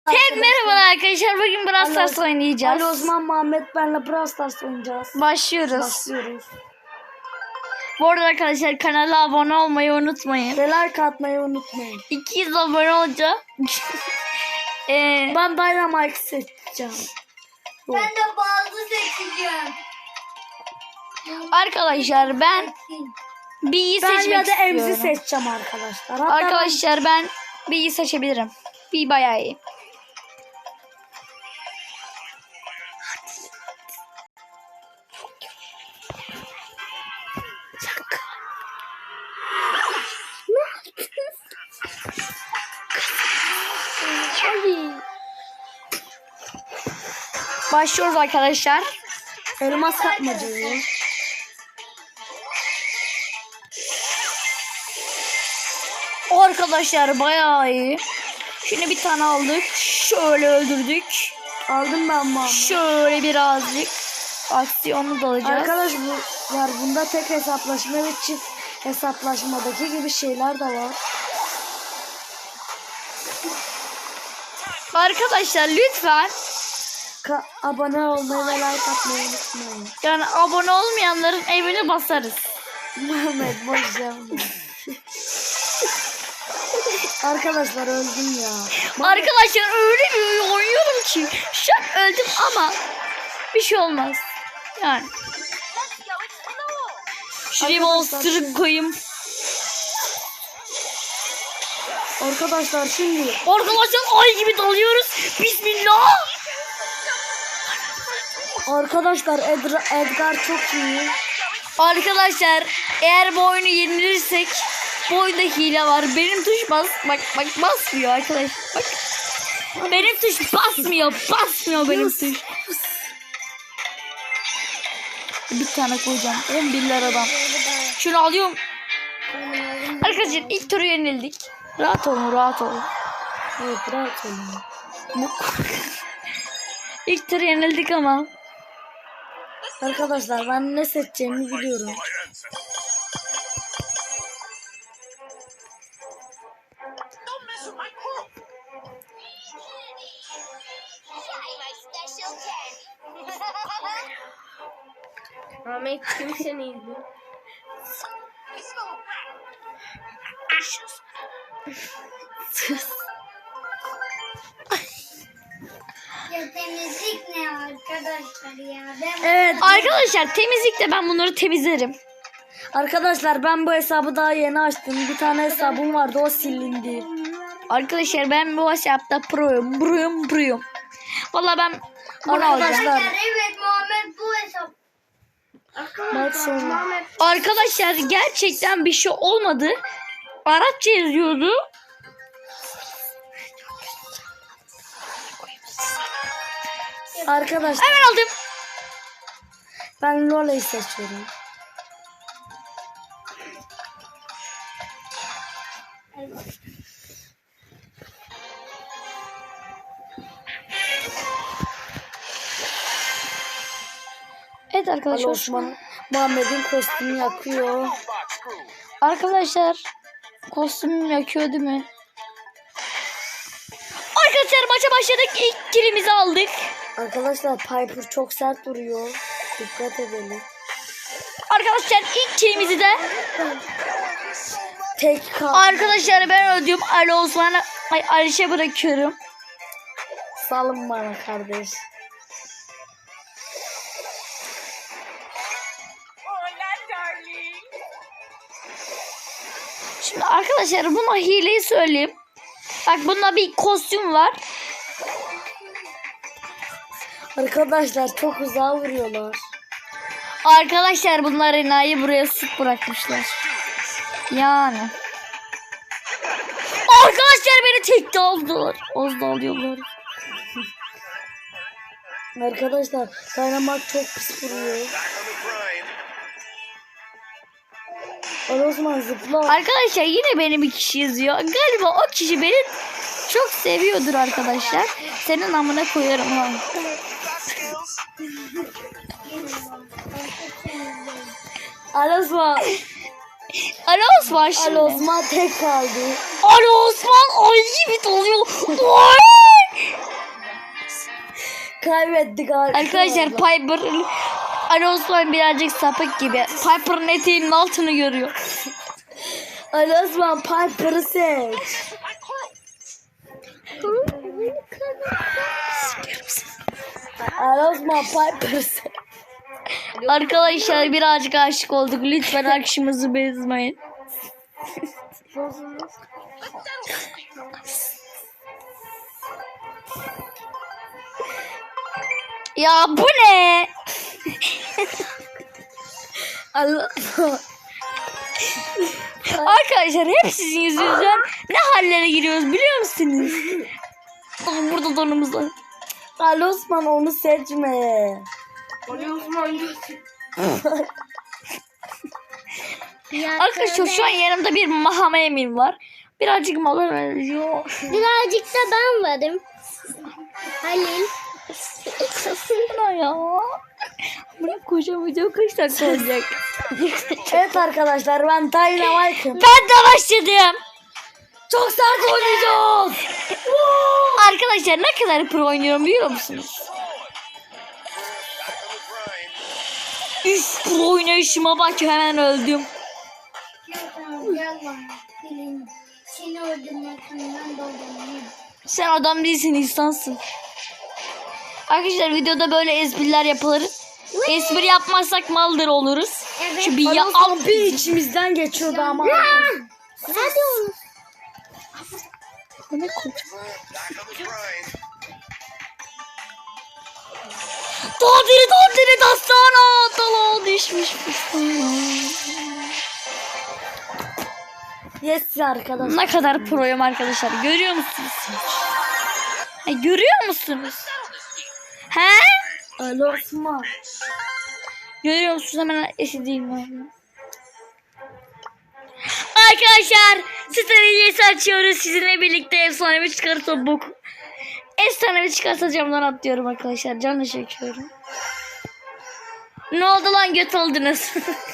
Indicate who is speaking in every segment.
Speaker 1: Merhaba arkadaşlar. Bugün Brawl Stars oynayacağız.
Speaker 2: Ali Osman Muhammed benle Brawl Stars oynayacağız.
Speaker 1: Başlıyoruz. Bu arada arkadaşlar kanala abone olmayı unutmayın.
Speaker 2: Ve like atmayı unutmayın.
Speaker 1: 200 abone olacağım.
Speaker 2: Ben Dynamite seçeceğim.
Speaker 3: Ben de bazı seçeceğim.
Speaker 1: Arkadaşlar ben B'yi
Speaker 2: Ben
Speaker 1: seçmek
Speaker 2: ya da
Speaker 1: istiyorum.
Speaker 2: Emzi seçeceğim arkadaşlar. Hatta
Speaker 1: Arkadaşlar ben B'yi seçebilirim. B bayağı iyi. Başlıyoruz arkadaşlar.
Speaker 2: elmas kapmacayı.
Speaker 1: Arkadaşlar bayağı iyi. Şimdi bir tane aldık. Şöyle öldürdük.
Speaker 2: Aldım ben Muhammed.
Speaker 1: Şöyle birazcık aksiyonu da alacağız.
Speaker 2: Arkadaşlar bunda tek hesaplaşma ve çift hesaplaşmadaki gibi şeyler de var.
Speaker 1: Arkadaşlar lütfen
Speaker 2: Abone olmayı ve like atmayı unutmayın.
Speaker 1: yani abone olmayanların evini basarız.
Speaker 2: Muhammed boş yapma. Arkadaşlar öldüm ya.
Speaker 1: Arkadaşlar öyle bir oyun oynuyorum ki şu an öldüm ama bir şey olmaz. Yani. Şuraya monster'ı koyayım.
Speaker 2: Arkadaşlar şimdi
Speaker 1: Arkadaşlar ay gibi dalıyoruz. Bismillah.
Speaker 2: arkadaşlar Edgar çok iyi.
Speaker 1: Arkadaşlar eğer bu oyunu yenilirsek bu oyunda hile var. Benim tuş bak basmıyor arkadaşlar. Bak. Benim tuş basmıyor benim tuş. Bir tane koyacağım. 11 liradan. Şunu alıyorum. Arkadaşlar ilk turu yenildik. Rahat olun.
Speaker 2: Evet rahat olun.
Speaker 1: İlk turu yenildik ama.
Speaker 2: Arkadaşlar ben ne seçeceğimi biliyorum.
Speaker 3: Ahmet kimse neydi? Ya temizlik ne arkadaşlar ya?
Speaker 2: Evet
Speaker 1: Arkadaşlar temizlikte ben bunları temizlerim.
Speaker 2: arkadaşlar ben bu hesabı daha yeni açtım. Bir tane hesabım vardı o silindi.
Speaker 1: Arkadaşlar ben bu WhatsApp'ta proyum. Vallahi ben bunu alacağım.
Speaker 2: Arkadaşlar
Speaker 3: Evet Muhammed bu hesap.
Speaker 2: bak sonra.
Speaker 1: Arkadaşlar gerçekten bir şey olmadı. Arapça yazıyordu.
Speaker 2: Arkadaşlar
Speaker 1: Hemen aldım.
Speaker 2: ben Lola'yı seçiyorum.
Speaker 1: Evet
Speaker 2: Ali
Speaker 1: arkadaşlar.
Speaker 2: Osman Muhammed'in kostümü yakıyor.
Speaker 1: Arkadaşlar kostümüm yakıyor değil mi? Arkadaşlar maça başladık. İlk kilimizi aldık.
Speaker 2: Arkadaşlar Piper çok sert duruyor. Dikkat edelim.
Speaker 1: Arkadaşlar ilk kilimizi de
Speaker 2: Tek kaldı.
Speaker 1: arkadaşlar ben öldüm. Ali Osman'a Aliş'e bırakıyorum.
Speaker 2: Salın bana kardeş.
Speaker 1: Şimdi arkadaşlar buna hileyi söyleyeyim. Bak bunda bir kostüm var.
Speaker 2: Arkadaşlar çok uzağa vuruyorlar.
Speaker 1: Arkadaşlar bunlar enayi buraya sık bırakmışlar. Yani. Arkadaşlar beni tekte aldılar. Az da alıyorlar.
Speaker 2: Arkadaşlar Dynamite çok pis vuruyor. Ali Osman zıpla.
Speaker 1: Arkadaşlar yine benim bir kişi yazıyor. Galiba o kişi beni çok seviyordur arkadaşlar. Senin amına koyarım ha.
Speaker 2: Ali Osman.
Speaker 1: Ali Osman şimdi.
Speaker 2: Ali Osman tek kaldı.
Speaker 1: Ali Osman ay gibi doluyor. Oy!
Speaker 2: kaybettik
Speaker 1: Arkadaşlar Piper Ali Osman birazcık sapık gibi. Piper'ın eteğinin altını görüyor.
Speaker 2: Ali Osman Piper'ı seç. Ali Osman Piper'ı seç.
Speaker 1: Arkadaşlar birazcık aşık olduk. Lütfen aşkımızı bozmayın. Ya bu ne?
Speaker 2: Ali Osman.
Speaker 1: Arkadaşlar hep sizin yüzünüzden ne hallere giriyoruz biliyor musunuz? Aa, burada donumuz var.
Speaker 2: Ali Osman onu seçme.
Speaker 1: Arkadaşlar şu an yanımda bir Mahama Emin var. Birazcık mola veriyor.
Speaker 3: Birazcık da ben varım. Halil.
Speaker 1: Sana ya. Bunu koşamayacağım kaç dakika olacak.
Speaker 2: Evet arkadaşlar ben Dynamite'ım.
Speaker 1: Ben de başladım.
Speaker 2: Çok sert oynayacağız.
Speaker 1: Arkadaşlar ne kadar pro oynuyorum biliyor musunuz? Üf pro oynayışıma bak hemen öldüm.
Speaker 3: Gel bana. Seni öldürmekten dolayı.
Speaker 1: Sen adam değilsin insansın. Arkadaşlar videoda böyle espriler yapılır. Espri yapmazsak maldır oluruz. Şu bir
Speaker 2: Ali
Speaker 1: ya
Speaker 2: Osman bir içimizden geçiyordu ama.
Speaker 3: Hadi oğlum.
Speaker 1: Ne koca. Dondiri dastana. Dala düşmüş.
Speaker 2: Yes arkadaşlar.
Speaker 1: Ne kadar proyum arkadaşlar. Görüyor musunuz? Görüyor musunuz? He?
Speaker 2: Ali Osman.
Speaker 1: Görüyor musunuz? Hemen eşideyim ben. Arkadaşlar strateji açıyoruz. Sizinle birlikte efsanevi çıkartıp bok. Efsanevi çıkarsa camdan atlıyorum arkadaşlar. Canla çekiyorum. Ne oldu lan göt oldunuz?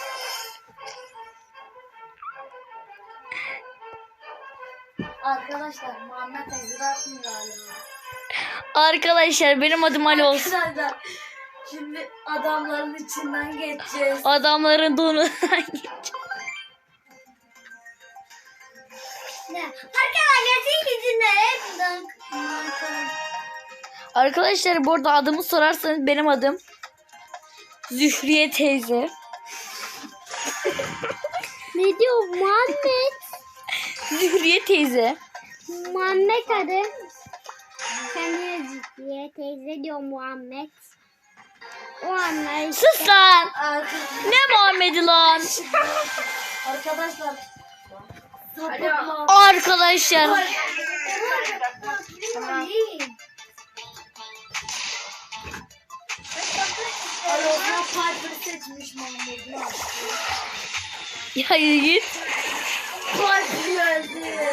Speaker 2: Arkadaşlar Muhammed Ezra'nın galiba.
Speaker 1: Arkadaşlar benim adım Ali olsun.
Speaker 2: Arkadaşlar şimdi adamların içinden geçeceğiz.
Speaker 1: Adamların donundan
Speaker 3: Ne? Arkadaşlar senin yüzünden hep
Speaker 1: Arkadaşlar bu arada adımı sorarsanız benim adım Zühriye teyze.
Speaker 3: Ne diyor Muhammed?
Speaker 1: Zühriye teyze.
Speaker 3: Muhammed adı. Kendine ciddiye teyze diyor Muhammed. O anlar işte.
Speaker 1: Sus lan. Ne Muhammed'i lan?
Speaker 2: Arkadaşlar. Sapıkma.
Speaker 1: Arkadaşlar.
Speaker 2: Ali Osman Piper'ı seçmiş Muhammed'i.
Speaker 1: Ya git.
Speaker 2: Piper geldi.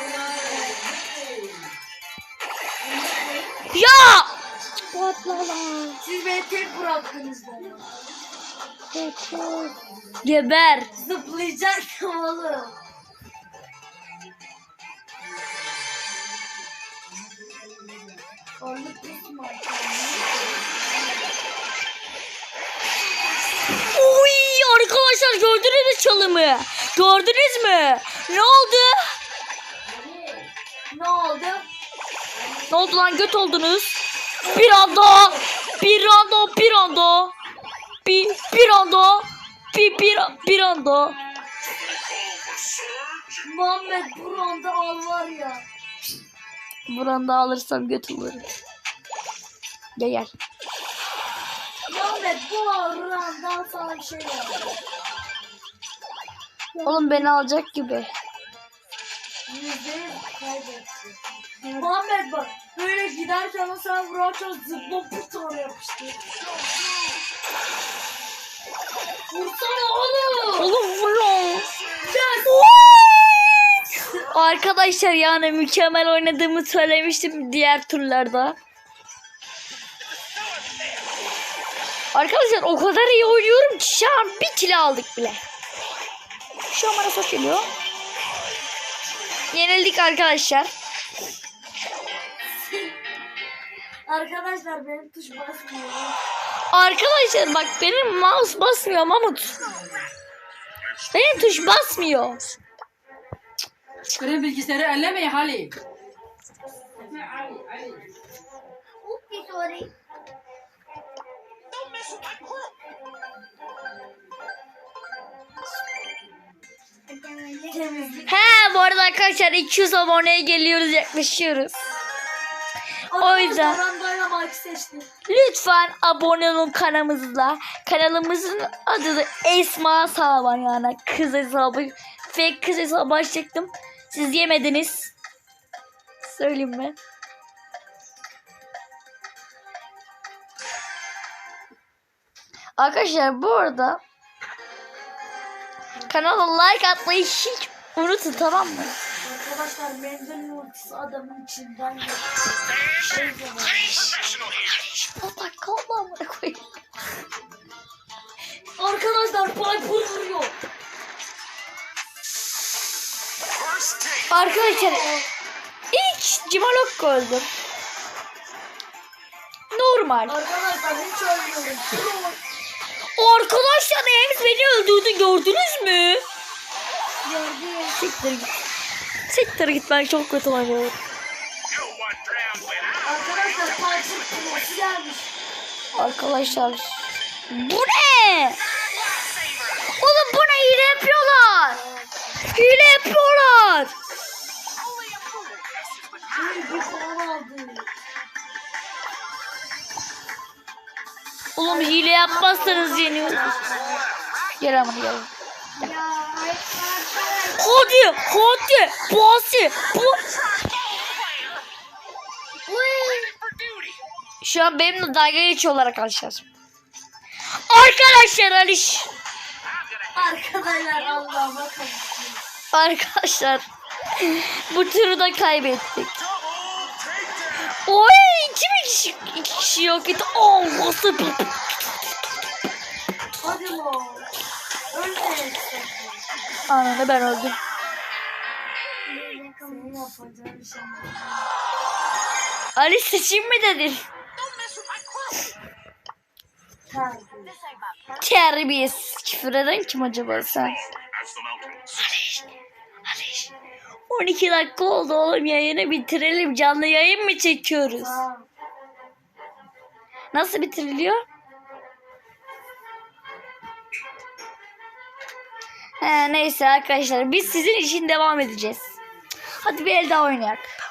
Speaker 1: Ya.
Speaker 2: Siz beni tek bıraktınız bana.
Speaker 1: Geber.
Speaker 2: Zıplayacaktım oğlum. Orluk kısmı.
Speaker 1: Uy arkadaşlar gördünüz mü çalımı? Gördünüz mü? Ne oldu?
Speaker 2: Ne oldu?
Speaker 1: Ne oldu lan göt oldunuz? Bir anda. Bir anda. Bir anda. Bir anda. Bir anda.
Speaker 2: Muhammed buranda al var ya.
Speaker 1: Buranda alırsam göt olurum. Gel.
Speaker 2: Muhammed bu buranda sana bir şey var.
Speaker 1: Oğlum beni alacak gibi.
Speaker 2: %100 kaybetsin. Muhammed bak böyle giderken o sen vurarken zıpla bir tane yapıştı. Vursana oğlum.
Speaker 1: Oğlum vur lan. Arkadaşlar yani mükemmel oynadığımı söylemiştim diğer turlarda. Arkadaşlar o kadar iyi oynuyorum ki şu an bir kilo aldık bile. Şu an bana sok geliyor. Yenildik arkadaşlar.
Speaker 2: Arkadaşlar benim tuş basmıyor.
Speaker 1: Arkadaşlar bak benim mouse basmıyor Mahmut. Benim tuş basmıyor.
Speaker 4: Kırın bilgisayarı ellemeyin Halil.
Speaker 3: Sorry.
Speaker 2: Temizlik.
Speaker 1: He bu arada arkadaşlar 200 aboneye geliyoruz, yaklaşıyoruz. O yüzden
Speaker 2: Arkadaşlar ben Dynamite seçtim.
Speaker 1: lütfen abone olun kanalımızla. Kanalımızın adı da Esma Saban, yani kız hesabı. Fake kız hesabı açacaktım. Siz yemediniz. Söyleyeyim mi? Arkadaşlar bu arada kanala like atmayı hiç unutun, tamam mı?
Speaker 2: Arkadaşlar Mendel'in ultisi adamın içinden geçti.
Speaker 1: Allah kalma amına koyayım.
Speaker 2: Arkadaşlar Piper vuruyor.
Speaker 1: Arkadaşlar ilk Cimalok öldü. Normal.
Speaker 2: Arkadaşlar hiç ölmüyorum.
Speaker 1: Arkadaşlar Ems beni öldürdü, gördünüz mü?
Speaker 2: Gördüm.
Speaker 1: Siktir git. Siktir git, ben çok kötü oynuyorum.
Speaker 2: Arkadaşlar Piper kulesi gelmiş.
Speaker 1: Arkadaşlar bu ne? Oğlum bu ne, hile yapıyorlar. Hile yapıyorlar.
Speaker 2: Bir puan aldı.
Speaker 1: Oğlum hile yapmazsanız yeniyoruz. Gel ama gel. Hadi hadi basi bu. Şu an benimle dalga geçiyorlar arkadaşlar. Arkadaşlar Aliş.
Speaker 2: Arkadaşlar Allah'a bakın.
Speaker 1: Arkadaşlar bu turu da kaybettik. Oy, iki kişi yok etti. Oh, nasıl bir...
Speaker 2: Hadi lan. Ölmeyin.
Speaker 1: Ananı ben öldüm.
Speaker 2: Senin yapacağın bir şey mi?
Speaker 1: Ali seçeyim mi dedin? Terbiyesiz. Küfür eden kim acaba sen? Aliş. 12 dakika oldu oğlum, yayını bitirelim. Canlı yayın mı çekiyoruz?
Speaker 2: Tamam.
Speaker 1: Nasıl bitiriliyor? Neyse arkadaşlar biz sizin için devam edeceğiz. Hadi bir el daha oynayak.